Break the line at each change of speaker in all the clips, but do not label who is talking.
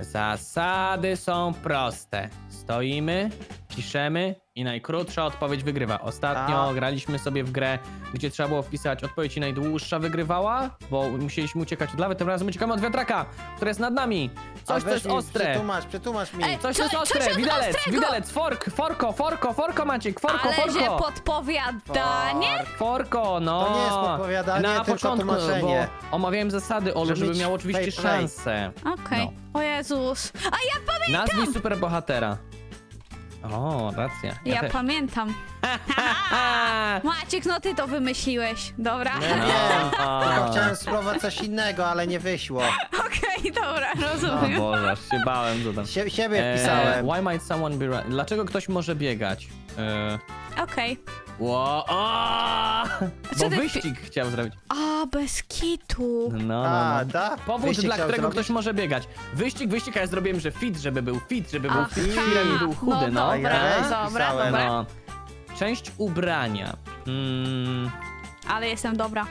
Zasady są proste. Stoimy, piszemy i najkrótsza odpowiedź wygrywa. Ostatnio graliśmy sobie w grę, gdzie trzeba było wpisać odpowiedź i najdłuższa wygrywała, bo musieliśmy uciekać od lawy. Tym razem uciekamy od wiatraka, który jest nad nami. Coś, co jest ostre.
Przetłumacz mi.
Coś, co jest ostre. Widelec, forko, Maciek, forko.
Ale że podpowiadanie?
Forko, no.
To nie jest podpowiadanie,
na
tylko
początku,
tłumaczenie.
bo omawiałem zasady, Olu, żeby
mieć
miał oczywiście
fair play.
szansę.
Okej.
No.
O Jezus. A ja pamiętam!
Nazwij superbohatera. O, racja.
Ja
też.
pamiętam. Maciek, no ty to wymyśliłeś. Dobra.
No, wiem,
O.
tylko chciałem spróbować coś innego, ale nie wyszło.
Okej, dobra,
O
rozumiem.
Boże, aż się bałem, co tam.
Siebie wpisałem.
Why might someone be running? Dlaczego ktoś może biegać?
Okej.
O,
Co
bo
ty
wyścig chciał zrobić.
A, bez kitu.
No.
Da?
Powód,
Wyścig
dla
chciał
którego
zrobić?
ktoś może biegać. Wyścig, a ja zrobiłem, że fit, żeby był fit,
Aha.
firem i był chudy, no.
Dobra,
Ja
dobra,
wpisałem.
dobra.
No. Część ubrania.
Ale jestem dobra.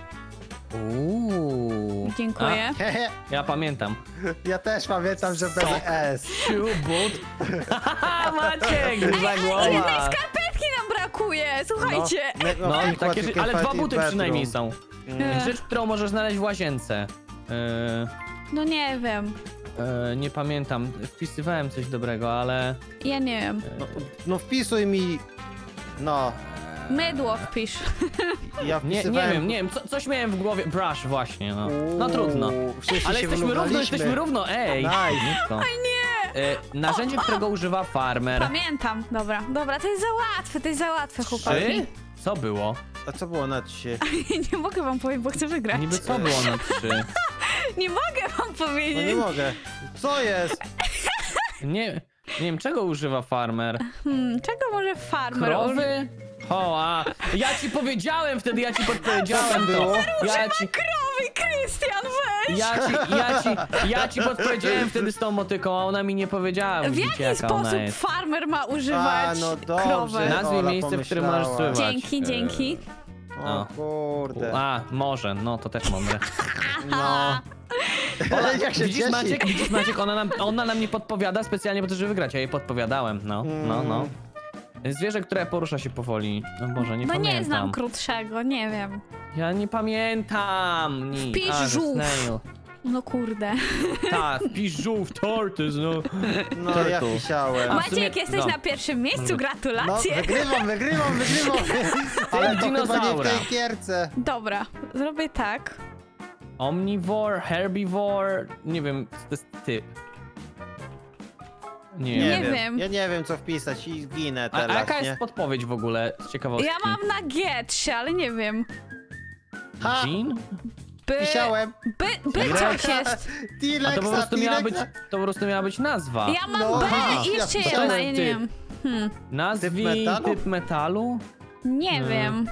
Uuu.
Dziękuję.
Hehe,
Ja pamiętam.
ja też pamiętam, że bez S.
Shoe boot. Maciek, za
Jednej
głowa.
skarpetki nam brakuje, słuchajcie.
No, takie rzeczy, ale dwa buty przynajmniej są.
Ech,
Rzecz, którą możesz znaleźć w łazience.
No nie wiem.
Nie pamiętam. Wpisywałem coś dobrego, ale...
Ja nie wiem.
No wpisuj mi. No,
Mydło wpisz.
ja
Nie
wpisywałem.
wiem, coś miałem w głowie. Brush, właśnie, no. No trudno.
Wszyscy
Ale
się
jesteśmy równo, ej!
Nice.
Nisko. Narzędzie, którego używa farmer.
Pamiętam. Dobra, to jest za łatwe, chłopaki.
3? Co było?
A co było na 3?
Nie mogę wam powiedzieć, bo chcę wygrać.
Niby co było na 3?
Nie mogę wam
No
powiedzieć.
nie mogę. Co jest?
Nie wiem, czego używa farmer?
Czego może farmer
Krowy? Ja ci powiedziałem wtedy, ja ci podpowiedziałem to.
Krowy, Krystian, weź!
Ja ci podpowiedziałem wtedy z tą motyką, a ona mi nie powiedziała.
W
Widzicie,
jaki
jaka ona
sposób
jest.
farmer ma używać
no dobrze.
krowę?
Nazwij
Ola
miejsce, w którym
pomyślała.
możesz sływać.
Dzięki.
O kurde.
Może, no to też mądre.
No. Ale jak się
Widzisz
cieszy.
Maciek, ona nam nie podpowiada specjalnie po to, żeby wygrać, ja jej podpowiadałem, no. Zwierzę, które porusza się powoli. No Boże, nie
No
pamiętam.
nie znam krótszego, nie wiem.
Ja nie pamiętam.
Wpisz żółw.
Snail.
No kurde.
Tak, wpisz żółw, tortoise, no.
No ja
Turtle.
wisiałem.
A, w sumie-
Maciek, jesteś
no.
na pierwszym miejscu,
No
gratulacje.
wygrywam. Ale to chyba nie w
dinozaura.
tej gierce.
Dobra, zrobię tak.
Omnivore, herbivore, nie wiem, to jest ty. Nie
Nie
wiem.
wiem.
Ja nie wiem co wpisać i ginę
A
teraz,
jaka
nie?
jest podpowiedź w ogóle z ciekawostki?
Ja mam na G3, ale nie wiem.
Ha!
Jean?
Wisiałem.
By coś jest.
A to po prostu miała być nazwa.
Ja mam
No,
B
aha.
i jeszcze
Ja
jedna,
wpisałem
ja nie
typ.
wiem.
Nazwij typ metalu?
Nie
No.
wiem.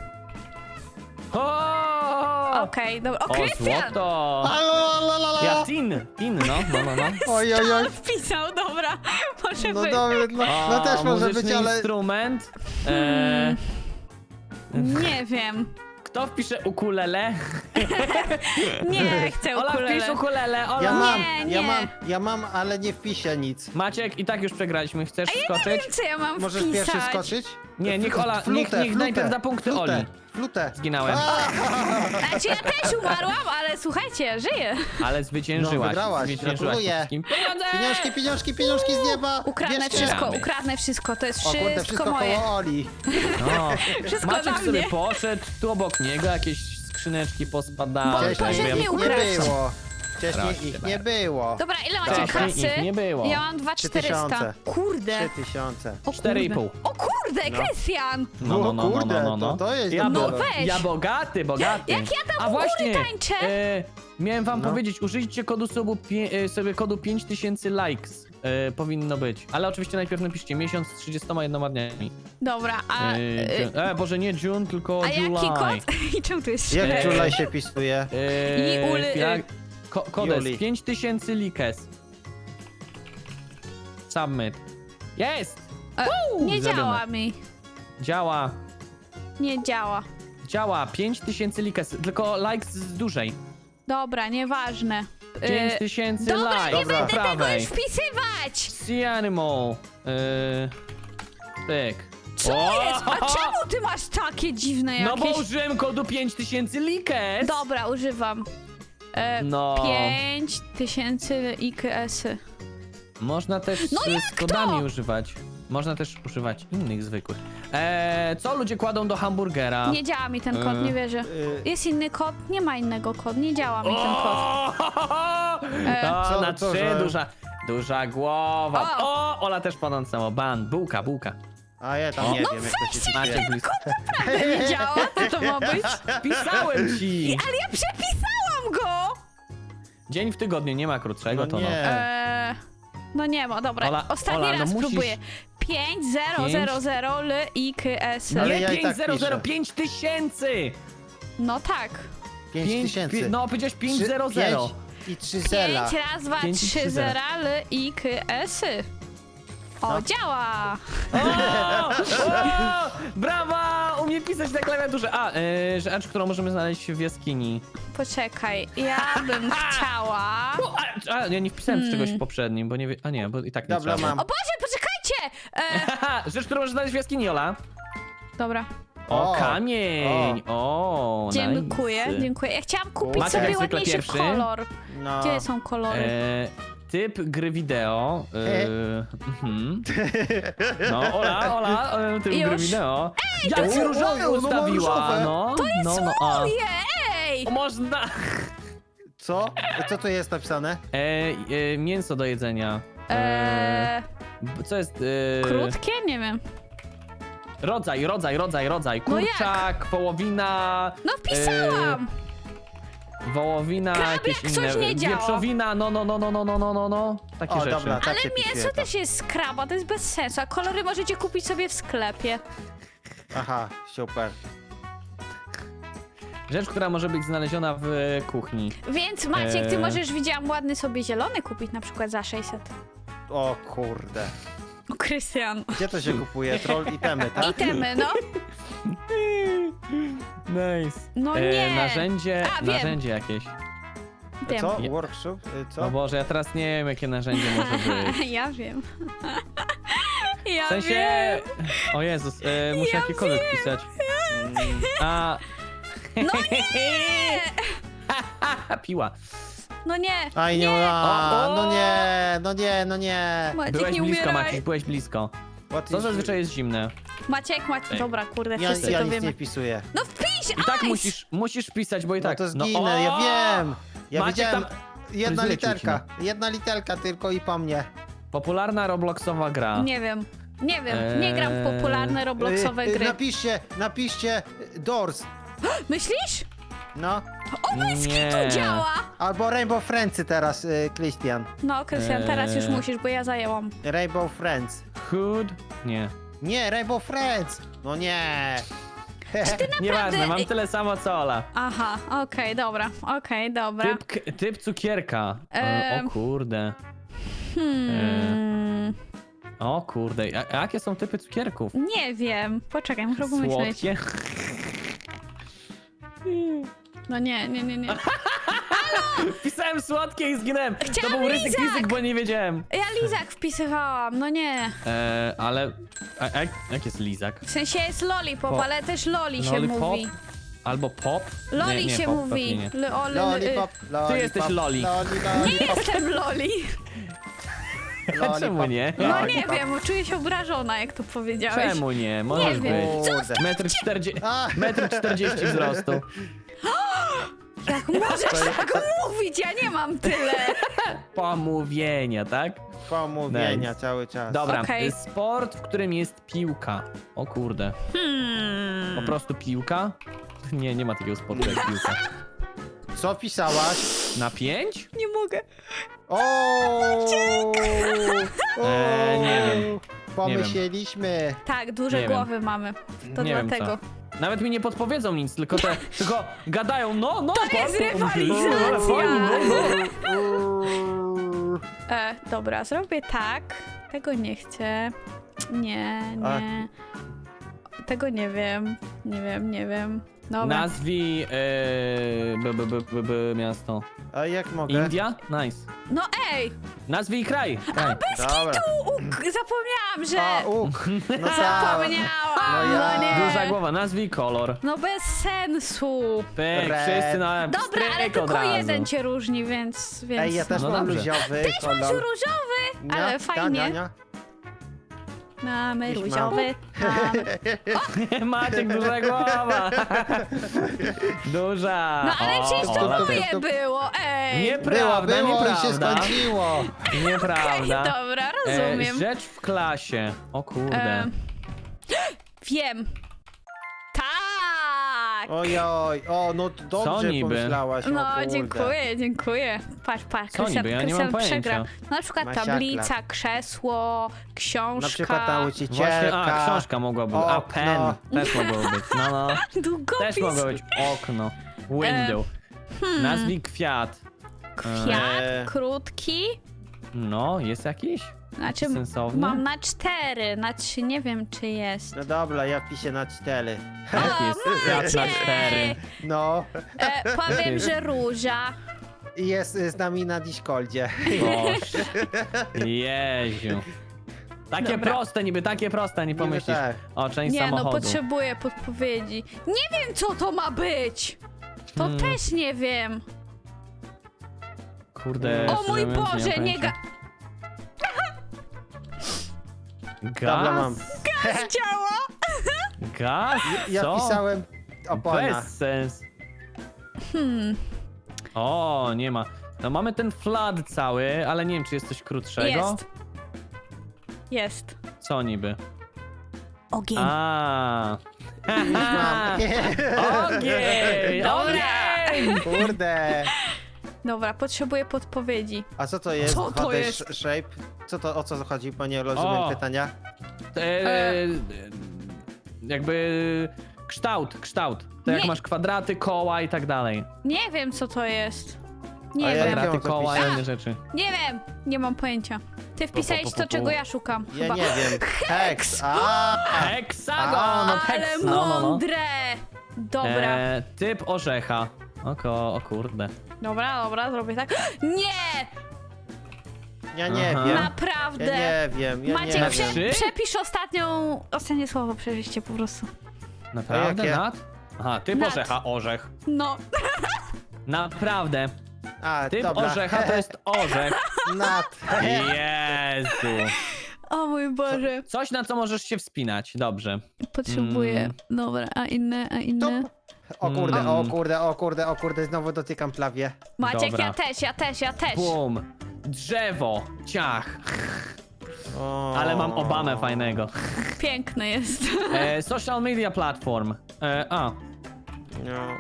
O!
Okej, dobra. O,
O,
Krystian!
złoto! Ja tin, no.
Oj.
Wpisał, dobra. Może
No
być.
dobra, no też może
muzyczny
być, ale...
instrument.
Nie wiem.
Kto wpisze ukulele?
Nie chcę
Ola, wpisz
ukulele.
ukulele, Ola.
Ja mam,
Nie.
ja mam, ale nie wpiszę nic.
Maciek, i tak już przegraliśmy. Chcesz
Nie
skoczyć?
wiem, co ja mam
Możesz
wpisać.
pierwszy skoczyć?
Nie, niech Ola, niech najpierw da punkty Oli.
Flutę.
Zginałem.
Znaczy ja też umarłam, ale słuchajcie, żyję.
Ale zwyciężyłaś.
No, wygrałaś,
Zwyciężyłaś
gratuluję.
po wszystkim.
Pieniążki z nieba!
Ukradnę
Bierzcie.
wszystko, to jest
O kurde,
wszystko
wszystko
moje.
koło Oli.
No.
Wszystko
Maciek
dla
sobie
mnie.
poszedł, tu obok niego jakieś skrzyneczki pospadały.
Bo
tak
poszedł
wiem.
mi
ich nie
ukraść.
było. Wcześniej
Proszę
ich
bardzo.
nie było.
Dobra, ile macie
Wcześniej
kasy?
ich nie było.
Ja mam 2400.
3000.
Kurde.
3000.
O kurde.
4,5.
O kurde, Krystian!
O kurde, to jest
Ja,
dobre.
No weź.
ja bogaty.
Jak ja tam
A
u góry
właśnie,
tańczę?
miałem wam
No.
powiedzieć, użyjcie kodu sobie kodu 5000 likes. Powinno być. Ale oczywiście najpierw napiszcie miesiąc z 31 dniami.
Dobra, a...
Boże, nie June, tylko
A
July.
jaki kod? I czemu tu jest
Jak
średnia?
Julaj się pisuje?
Kod jest
Juli.
5000 likes. Submit. Jest!
Nie
zrobione.
działa mi.
Działa.
Nie działa.
Działa. 5000 likes. Tylko likes z dużej.
Dobra, nieważne.
5000
Dobra,
likes.
nie
Dobra.
będę tego
prawej.
już wpisywać!
Sea Animal. Pyk.
Co jest? A
O!
czemu ty masz takie dziwne jakieś...
No bo użyłem kodu 5000 likes.
Dobra, używam.
No.
5000 IKS-y.
Można też
No
z kodami używać. Można też używać innych zwykłych. Co ludzie kładą do hamburgera?
Nie działa mi ten kod, nie wierzę. Jest inny kod? Nie ma innego kodu, nie działa mi ten kod.
To
Co-
na
co,
3
że-
duża głowa.
O!
O, Ola też płonącego. Bułka.
A ja tam nie wiem, jak to się
Macie
cytuje.
blisko.
Nie działa? Co to ma być?
Pisałem ci.
Ale ja przepisałam go!
Dzień w tygodniu, nie ma krótszego,
No
to no.
nie.
No nie ma, dobra.
Ola,
Ostatni
Ola, no
raz
musisz-
próbuję. 5000 IKS.
Ale
Nie,
ja i tak
500,
piszę.
5000.
No tak.
5000.
No, powiedziałeś 500.
5 i 3 zera.
5 raz 2
5 i
3
3 zera.
zera IKS-y. O,
No.
działa!
O! Brawa! Umie pisać na klawiaturze. Rzecz, którą możemy znaleźć w jaskini.
Poczekaj, ja bym chciała...
Ja nie wpisałem z czegoś poprzednim, bo nie wie... A nie, bo i tak nie
Dobra,
trzeba.
mam.
O Boże, poczekajcie!
Haha, rzecz, którą możesz znaleźć w jaskini, Ola.
Dobra,
O,
O,
kamień! O,
dziękuję,
nice.
dziękuję. Ja chciałam kupić
Maciek
sobie
jak zwykle
ładniejszy
pierwszy.
kolor.
No.
Gdzie są kolory?
Typ gry wideo. Mhm. No, Ola, typ
Już?
gry wideo. Jak
to-
ci różowe
oj, ono ma
ustawiła,
różowe.
no. To jest
Moje, ej!
Można.
Co? Co tu jest napisane?
Mięso do jedzenia. Co jest?
Krótkie? Nie wiem.
Rodzaj.
No jak?
Kurczak, wołowina.
No wpisałam!
Wołowina,
Krab,
jakieś
jak
inne.
coś nie działa.
Wieprzowina, no. Takie
O,
rzeczy.
dobra, tak
Ale
się
mięso
wpisuje to.
też jest z kraba, to jest bez sensu. A kolory możecie kupić sobie w sklepie.
Aha, super.
Rzecz, która może być znaleziona w kuchni.
Więc Maciek, ty możesz, widziałam, ładny sobie zielony kupić na przykład za 600.
O kurde.
O, Krystian.
Gdzie to się kupuje? Troll itemy, tak?
Itemy, no.
Nice.
No nie.
Narzędzie,
A, wiem.
narzędzie jakieś.
Wiem.
Co?
Je-
Workshop? Co?
O Boże, ja teraz nie wiem, jakie narzędzie może być.
Ja wiem. Ja
W sensie...
wiem.
O Jezus, muszę
Ja
jakiekolwiek
wiem.
pisać.
Mm,
A...
No nie!
Piła.
No nie.
Aj, nie,
O, o!
no nie.
Maciek,
Byłeś
nie
blisko,
umieraj.
Maciś, byłeś blisko.
What
Co
is-
zazwyczaj jest zimne.
Maciek. Dobra, kurde,
Ja,
wszyscy
ja
to
nic
wiemy.
nie wpisuję.
No wpisz,
I tak
ice!
musisz pisać, bo i
No
tak...
to zginę, ja
o!
wiem. Ja
Maciek
wiedziałem.
tam-
Jedna
Zlecił ci,
literka. Jedna literka tylko i po mnie.
Popularna Robloxowa gra.
Nie wiem. Nie gram w popularne Robloxowe gry.
Napiszcie Doors.
Myślisz?
No.
O, Majski
Nie.
tu działa!
Albo Rainbow Friendsy teraz, Christian.
No, Krystian, teraz już musisz, bo ja zajęłam.
Rainbow Friends.
Hood? Nie.
Nie, Rainbow Friends. No nie.
Nieważne, mam tyle samo co Ola.
Aha, okej, dobra.
Typ cukierka. O kurde. O kurde. A jakie są typy cukierków?
Nie wiem. Poczekaj, muszę pomyśleć.
Słodkie?
No nie.
Wpisałem słodkie i zginąłem.
Chciałam
To był ryzyk,
lizak.
bo nie wiedziałem.
Ja lizak wpisywałam, no nie.
Ale... jak jest lizak?
W sensie jest lollipop,
Pop.
ale też loli się
Lollipop?
mówi.
Albo pop?
Loli
nie,
się
pop,
mówi.
pewnie nie.
Lollipop, lollipop.
jesteś loli.
Nie jestem loli.
Czemu nie?
No nie wiem, czuję się obrażona, jak to powiedziałeś.
Czemu nie? Możesz
wiem.
być.
Kurde.
Metr 40 wzrostu.
Jak możesz tak mówić? Ja nie mam tyle.
Pomówienia, tak?
Pomówienia
Nice.
cały czas.
Dobra,
Okej.
sport, w którym jest piłka. O kurde. Po prostu piłka? Nie ma takiego sportu jak piłka.
Co pisałaś?
Na 5?
Nie mogę.
O!
Nie wiem.
Pomyśleliśmy.
Tak, duże
Nie wiem.
głowy mamy. To
Nie wiem
dlatego.
co. Nawet mi nie podpowiedzą nic, tylko gadają, no.
To jest
sport,
rywalizacja.
fajnie,
Dobra, zrobię tak. Tego nie chcę. Nie. Tego nie wiem. Nie wiem. Dobra.
Nazwij miasto.
A jak mogę?
India? Nice.
No ej!
Nazwij kraj. Kraj.
Dobra.
Zapomniałam, że...
A, no tak.
Zapomniałam!
No ja-
No nie!
Duża głowa, nazwij kolor.
No bez sensu.
Pyk,
Red.
wszyscy na
Dobra, ale
pstryk od
tylko
razu.
jeden cię różni, więc...
Ej, ja też
No
mam
dobrze.
luziowy
Też masz
kolor.
różowy, ale fajnie. Mamy
Jakiś
różowy. Mamy.
Maciek, duża głowa. Duża.
No ale przecież to
Ola
moje
też.
było, ej!
Nieprawda,
Było i się
nieprawda.
skończyło.
Nieprawda.
Dobra, rozumiem.
Rzecz w klasie. O kurde.
Wiem. Tak!
Ojoj, no to
Co
dobrze
niby?
pomyślałaś, o
No,
kurde.
dziękuję. Patrz,
Co niby? Ja nie mam pojęcia.
przegrał. Na przykład
Masiakla.
tablica, krzesło, książka.
Na przykład nauczycielka.
Właśnie, książka mogła być. A,
okno.
pen też mogło być. No.
Długopis.
Też mogło być okno. Window. Nazwij kwiat.
Kwiat,
Eee.
krótki.
No, jest jakiś?
Znaczy,
Sensowny?
mam na 4, na 3 nie wiem, czy jest.
No dobra, ja wpiszę na 4.
Jaki jest kwiat na 4?
No,
Powiem, że róża.
i jest z nami na Discordzie.
Boże. Jeziu. Takie
Dobra.
proste niby, takie proste, nie pomyślisz.
tak.
O, część
Nie, no
samochodu.
potrzebuję podpowiedzi. Nie wiem, co to ma być. To też nie wiem.
Kurde.
O
szczerze
mój
mówiąc,
Boże,
mam
nie
pojęcia.
Dobra,
Gaz?
mam.
działa.
Gaz?
Ja
Co?
pisałem opona.
Bez sens. O, nie ma. No mamy ten flood cały, ale nie wiem, czy jest coś krótszego.
Jest. Jest.
Co niby?
Ogień.
A.
Już mam.
Ogień!
Dobra.
Ogień!
Kurde.
Dobra, potrzebuję podpowiedzi.
A co to jest?
Co to
2D
jest?
shape? Co to, o co chodzi, bo nie rozumiem
O.
pytania.
Jakby kształt. To jak
Nie.
masz kwadraty, koła i tak dalej.
Nie wiem, co to jest. Nie
A ja
wiem.
jak
Kwadraty,
mam to
koła i
wpisać?
inne rzeczy.
Nie wiem. Nie mam pojęcia. Ty wpisałeś to, czego ja szukam.
Ja
Chyba.
nie wiem. Hex. A.
Heksagon! No,
Ale
heks, no.
mądre. Dobra.
Typ orzecha. O kurde.
Dobra, zrobię tak. Nie!
Ja nie
Aha.
wiem.
Naprawdę.
Ja nie wiem. Ja
Maciek,
nie
Na
wiem.
trzy?
przepisz ostatnie słowo, przeżyście po prostu.
Naprawdę?
A jakie?
Nad? Aha, typ
Nad.
orzecha, orzech.
No.
Naprawdę.
A,
Typ
dobra.
orzecha to jest orzech.
Nat.
Jezu.
O mój Boże.
Coś, na co możesz się wspinać. Dobrze.
Potrzebuję. Dobra, a inne?
O kurde, o kurde, znowu dotykam klawie.
Maciek,
Dobra.
ja też.
Bum. Drzewo. Ciach.
O.
Ale mam Obamę fajnego.
Piękny jest.
Social media platform.
No.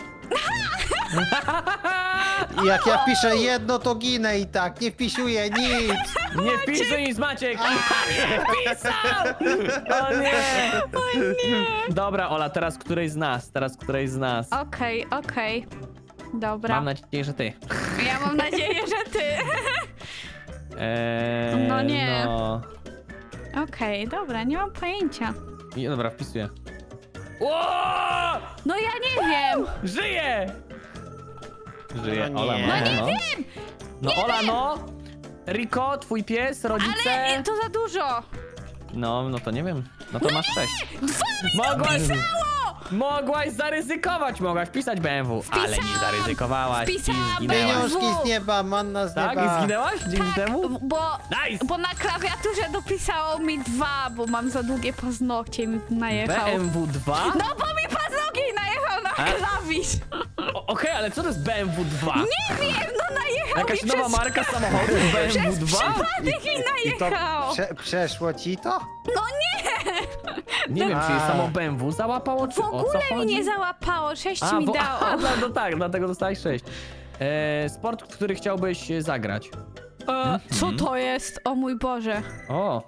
I jak ja piszę jedno, to ginę i tak, nie wpisuję nic.
Nie wpisuj nic, Maciek! Nie wpisał! O nie! Dobra, Ola, teraz którejś z nas.
Okej. Dobra.
Mam nadzieję, że ty.
Ja mam nadzieję, że ty. No nie.
No.
Okej, dobra, nie mam pojęcia.
Dobra, wpisuję. Ło!
No ja nie wiem.
Żyje! Żyje,
No
Ola
nie.
ma.
No nie
wiem! No Ola, no! Riko, twój pies, rodzice.
Ale to za dużo.
No to nie wiem. No to masz 6. Mogłaś zaryzykować, mogłaś wpisać BMW, ale nie
Wpisałam.
zaryzykowałaś i
Wpisałam
zginęłaś.
BMW.
Pieniążki z nieba, manna z
Tak?
nieba.
I zginęłaś dzięki temu?
Bo,
Nice!
na klawiaturze dopisało mi 2, bo mam za długie paznokcie i mi najechał.
BMW 2?
No bo mi paznokieć najechał na klawisz.
Okej, ale co to jest BMW 2?
Nie wiem, no najechał
Jakaś
mi
nowa
przez...
marka samochodu BMW 2?
Przypadek mi
I to
najechał.
przeszło ci to?
No nie!
Nie wiem, czy
A.
samo BMW załapało, czy
W
o co
ogóle mi
chodzi?
nie załapało, 6 mi
bo,
dało.
no tak, dlatego dostałeś 6. Sport, w który chciałbyś zagrać.
Co to jest? O mój Boże.
O!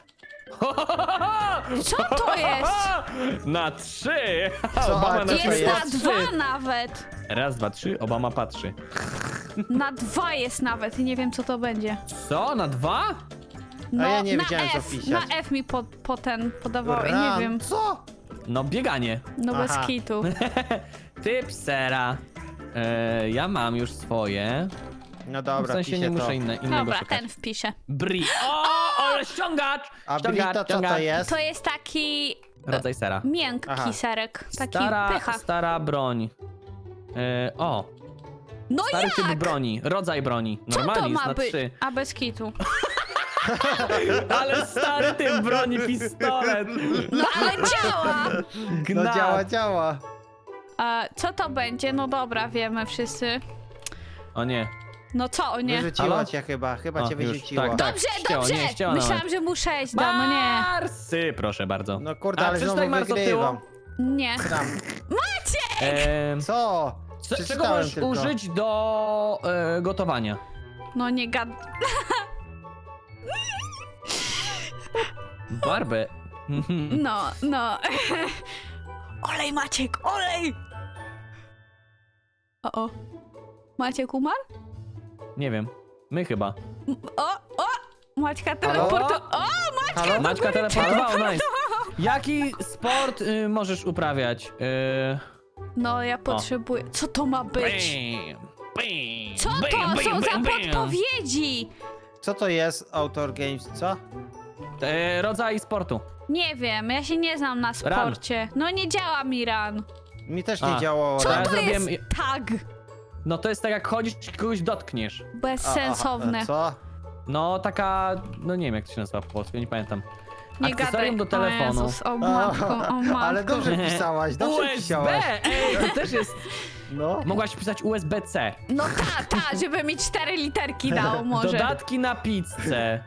Co to jest?
Na 3!
Co?
Obama
A
na
to
Jest
jest?
na 2 nawet.
Raz, dwa, trzy, Obama patrzy.
Na 2 jest nawet i nie wiem co to będzie.
Co? Na 2?
No,
ja nie
na
wiedziałem, co
F,
wpisać.
na F mi podawało i nie wiem.
Co?
No bieganie.
No bez
Aha.
kitu.
Typ sera. Ja mam już swoje.
No
W
dobra,
sensie
piszę
nie muszę
to.
innego
Dobra,
szukać.
ten wpiszę.
Brie. O, ale ściągacz!
A Brie to co to jest?
To jest taki
Rodzaj sera.
miękki
Aha.
serek. Taki pycha.
Stara broń. O,
No
stary
jak?
typ broni, rodzaj broni.
Co
Normalnie
to
jest
ma
na
być?
3.
A bez kitu.
Ale stary typ broni, pistolet.
No ale działa!
No
Gnat.
działa.
A co to będzie? No dobra, wiemy wszyscy.
O nie.
No co, o nie?
Wyrzuciło
Halo?
cię chyba
O,
cię
już,
wyrzuciło.
tak.
Dobrze,
ścięło,
dobrze!
nie, ścięło
Myślałam,
nawet.
że mu 6 da, no nie.
Marsy, proszę bardzo.
No kurde,
A,
ale znowu
przeczytaj Mars od tyłu.
wygrywam.
Nie.
Tam. Co?
Czego
Przeczytałem
możesz
tylko.
użyć do gotowania?
No nie gad...
Barbę.
No. Olej, Maciek, olej! O. Maciek umarł?
Nie wiem. My chyba.
O! Maćka teleportu... O,
Halo?
Maćka teleportował, nice. Jaki sport możesz uprawiać?
No, ja potrzebuję... Co to ma być? Co to są za podpowiedzi?
Co to jest Outdoor Games, co?
Rodzaj sportu.
Nie wiem, ja się nie znam na sporcie. No nie działa mi ran.
Mi też nie
A.
działało.
Co
Ja
raz.
to jest
zrobiłem-
tag?
No to jest tak jak chodzisz i kogoś dotkniesz.
Bezsensowne.
Aha, co?
No taka, no nie wiem jak to się nazywa po polsku, nie pamiętam.
Nie
Akcesorium
gadaj.
do telefonu.
O Jezus, o matko, o matko.
Ale dobrze pisałaś, dobrze
USB!
pisałaś.
Ej, to też jest...
No.
Mogłaś pisać USB-C.
No żeby mi 4 literki dało może.
Dodatki na pizzę.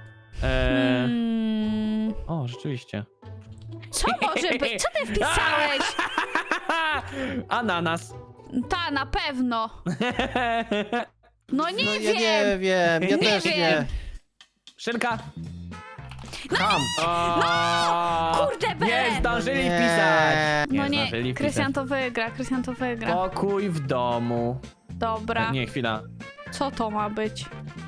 O, rzeczywiście.
Co może być? Co ty wpisałeś?
Ananas.
Ta, na pewno. No nie
No,
wiem.
ja nie wiem, ja
Nie
też
wiem.
nie.
Szynka.
Ham.
Kurde, be.
Nie zdążyli
Nie.
pisać.
No
zdążyli
nie, Krystian
pisać.
to wygra.
Pokój w domu.
Dobra.
Nie, chwila.
Co to ma być?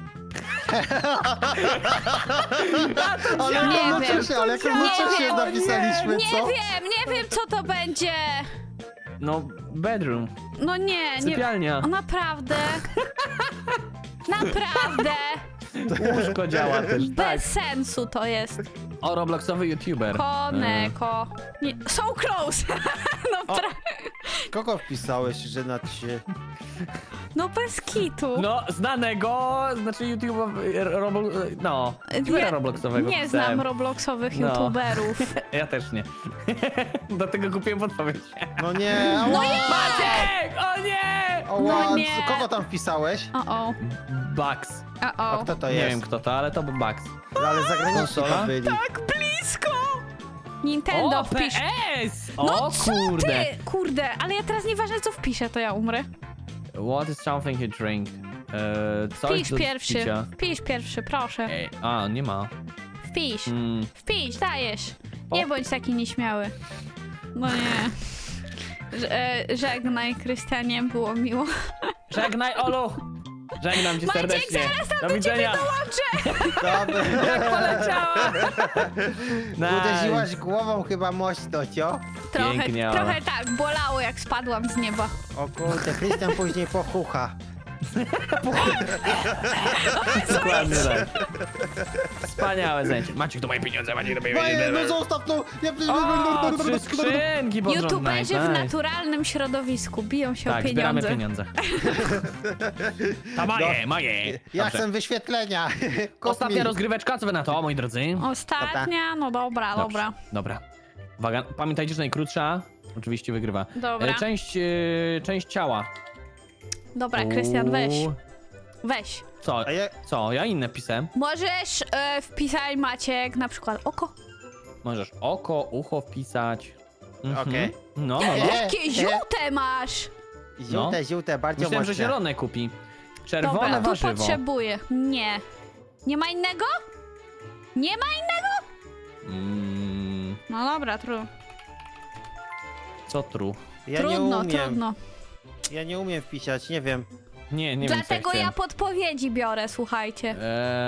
Ale
Nie
chronocznie, ale chronocznie
wiem.
napisaliśmy,
Nie
co?
wiem, nie wiem co to będzie.
No, bedroom.
No nie.
Sypialnia.
O, naprawdę? Naprawdę?
Łóżko działa też, tak.
Bez sensu to jest.
O, robloxowy youtuber.
Koneko. Nie, so close. No,
Kogo wpisałeś, że na się...
no bez kitu.
No, znanego, znaczy no, youtubera robloxowego.
Nie
pisałem.
znam robloxowych
No.
youtuberów.
Ja też nie. Do tego kupiłem podpowiedź.
No nie,
No
ała,
Maciek! O nie!
ała,
No nie.
kogo tam wpisałeś?
O.
Bugs.
A kto to
Nie
jest?
wiem kto to, ale to był Bugs.
Ale zagraniczni
Konsola?
to byli.
Tak blisko! Nintendo
O,
wpisz.
PS!
No
O
co
kurde!
ty? Kurde, ale ja teraz nieważne co wpiszę, to ja umrę.
What is something you drink? Coś
Wpisz
do
pierwszy.
picia.
Wpisz pierwszy, proszę.
Ej, a, nie ma.
Wpisz.
Mm,
Wpisz, dajesz. Nie bądź taki nieśmiały. No nie. Żegnaj, Krystianie, było miło.
żegnaj, Olu! Żegnam cię
Maciek,
serdecznie.
zaraz tam
do
do
widzenia.
ciebie dołączę!
Dobra.
Jak poleciała! Nice.
Uderzyłaś głową chyba mocno, cio?
Pięknie, ale-
trochę tak, bolało jak spadłam z nieba.
O kurde, Krystian później pochucha.
Dokładnie tak. Wspaniałe zajęcie. Maciek, to moje pieniądze, Maciek, to moje
Moje,
pieniądze.
no zostaw to!
O, 3 skrzynki pod rząd,
YouTuberzy
nice,
w
nice.
naturalnym środowisku biją się o
Tak, zbieramy
pieniądze.
pieniądze. To moje, moje.
Ja
Dobrze.
chcę wyświetlenia. Kup
Ostatnia
mi.
rozgryweczka, co wy na to, moi drodzy?
Ostatnia? No dobra,
Dobrze,
dobra.
Dobra. Uwaga, pamiętajcie, że najkrótsza oczywiście wygrywa.
Dobra.
Część ciała.
Dobra, Krystian, weź.
Uuu.
Weź.
Co?
A ja...
Co? Ja inne pisałem.
Możesz wpisać, Maciek, na przykład oko.
Możesz oko, ucho wpisać.
Okej.
No, no, no.
Jakie żółte masz!
Żółte, bardzo
Myślałem, że
mocne.
zielone kupi. Czerwone
Dobra, tu
warzywo.
potrzebuję. Nie. Nie ma innego? Nie ma innego?
Mm,
No dobra,
co tru?
Ja nie
trudno,
umiem.
trudno.
Ja nie umiem wpisać, nie wiem.
Nie wiem, co
Dlatego
ja
ja
chciałem.
podpowiedzi biorę, słuchajcie.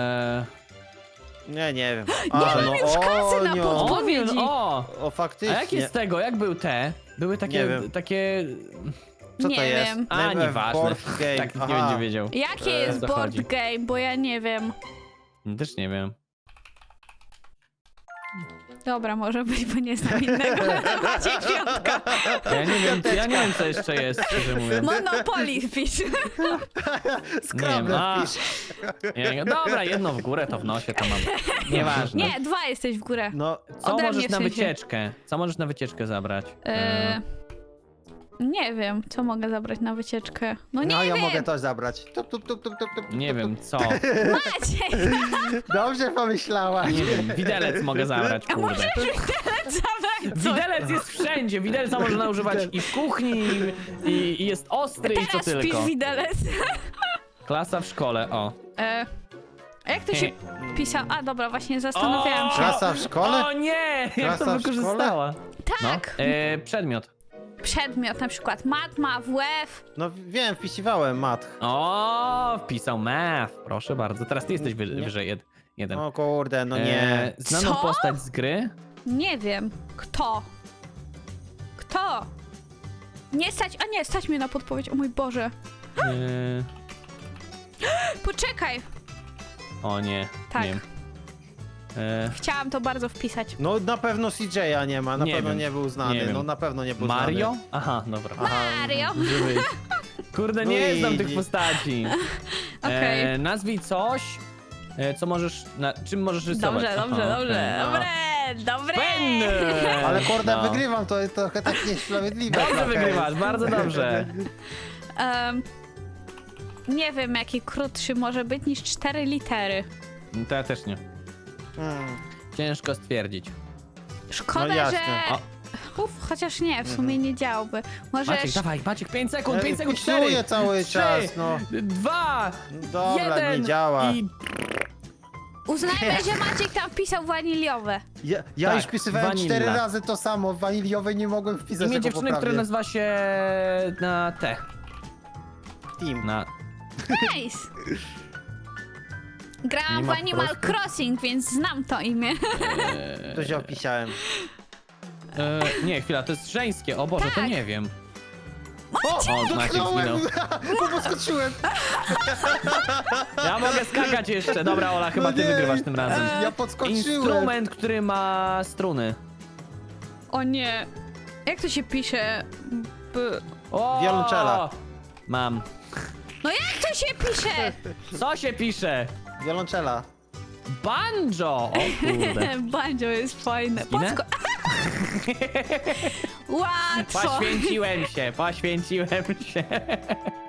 Nie wiem.
mam już kasy na
O,
O,
a
faktycznie.
jakie z tego? Jak był te? Były
Nie
takie,
wiem.
takie
Co to
Nie
jest?
wiem.
A,
Name of
nieważne.
board game.
Tak nikt nie
Aha.
będzie wiedział.
Jakie jest
co
board
chodzi?
game, bo ja nie wiem.
Też nie wiem.
Dobra, może być, bo nie znam innego. Maciek Piątka.
Ja nie wiem co jeszcze jest, szczerze mówiąc.
Monopoly wpisz.
Scrabble
a.
wpisz.
Dobra, jedno w górę, to w nosie, to mam. Nieważne.
Nie, 2 jesteś w górę.
No,
Co
ode
możesz
mnie w
na
sensie.
wycieczkę? Co możesz na wycieczkę zabrać?
Nie wiem, co mogę zabrać na wycieczkę. No nie
no ja
wiem.
mogę to zabrać. Tup, tup, tup, tup, tup, tup,
Nie
tup,
wiem, co.
Maciek,
Dobrze pomyślałaś.
Nie wiem, widelec mogę zabrać,
a
kurde.
możesz widelec zabrać coś.
Widelec jest wszędzie, widelca można używać i w kuchni, i jest ostry, i co
Teraz
tylko.
pisz widelec.
Klasa w szkole, o.
A jak to się pisał? A dobra, właśnie zastanawiałam się.
Klasa w szkole?
O nie! Jak
Klasa
to
w
wykorzystała?
Tak,
No. Przedmiot.
przedmiot na przykład matma, WF.
No wiem, wpisywałem mat.
O, wpisał math. Proszę bardzo. Teraz ty jesteś
Nie.
wyżej jeden.
O kurde, no nie.
Znaną
Co?
postać z gry?
Nie wiem. Kto? Kto? Nie stać, a nie, stać mnie na podpowiedź, o mój Boże.
E,
Poczekaj,
o nie,
Tak.
nie wiem.
chciałam to bardzo wpisać.
No na pewno CJ'a nie ma, na
Nie
pewno
wiem.
nie był znany.
Nie wiem.
No na pewno nie był
Mario?
znany.
Aha, dobra.
Mario!
Może być. Kurde,
No
nie
i-
znam tych postaci.
Okej.
Nazwij coś, co możesz, czym możesz rysować.
Dobrze, dobrze,
Aha,
dobrze.
okej.
Dobre!
Pen!
Ale kurde,
No.
wygrywam, to trochę tak niesprawiedliwe.
Dobrze
trochę.
wygrywasz, bardzo dobrze.
Nie wiem, jaki krótszy może być niż 4 litery.
To ja też nie.
Hmm.
Ciężko stwierdzić.
Szkoda,
No jasne.
że...
O.
Chociaż nie, w sumie nie działby. Może...
Maciek, dawaj, Maciek, 5 sekund, 5 sekund,
Wpisuję
4,
cały
3,
czas, no.
2,
Dobra,
1
nie działa.
i...
Uznajmy, że Maciek tam pisał waniliowe.
Ja
Tak,
już wpisywałem
vanilla.
4 razy to samo, w waniliowej nie mogłem wpisać
Imię
tego
dziewczyny,
poprawnie.
które nazywa się na T.
Team.
Na...
Nice! Grałam
Nie
w
ma
Animal
prostu?
Crossing, więc znam to imię.
To się opisałem.
Nie, chwila, to jest żeńskie. O Boże, to
Tak.
nie wiem.
O,
Maciek zginął.
bo podskoczyłem.
Ja mogę skakać jeszcze. Dobra, Ola, chyba ty
nie.
wygrywasz tym razem.
Ja podskoczyłem.
Instrument, który ma struny.
O nie. Jak to się pisze?
O!
Wiolonczela.
Mam.
No jak to się pisze?
Co się pisze?
Wiolonczela.
Banjo! O kurde.
Banjo jest fajne.
Zginę?
Łatwo!
Poświęciłem się.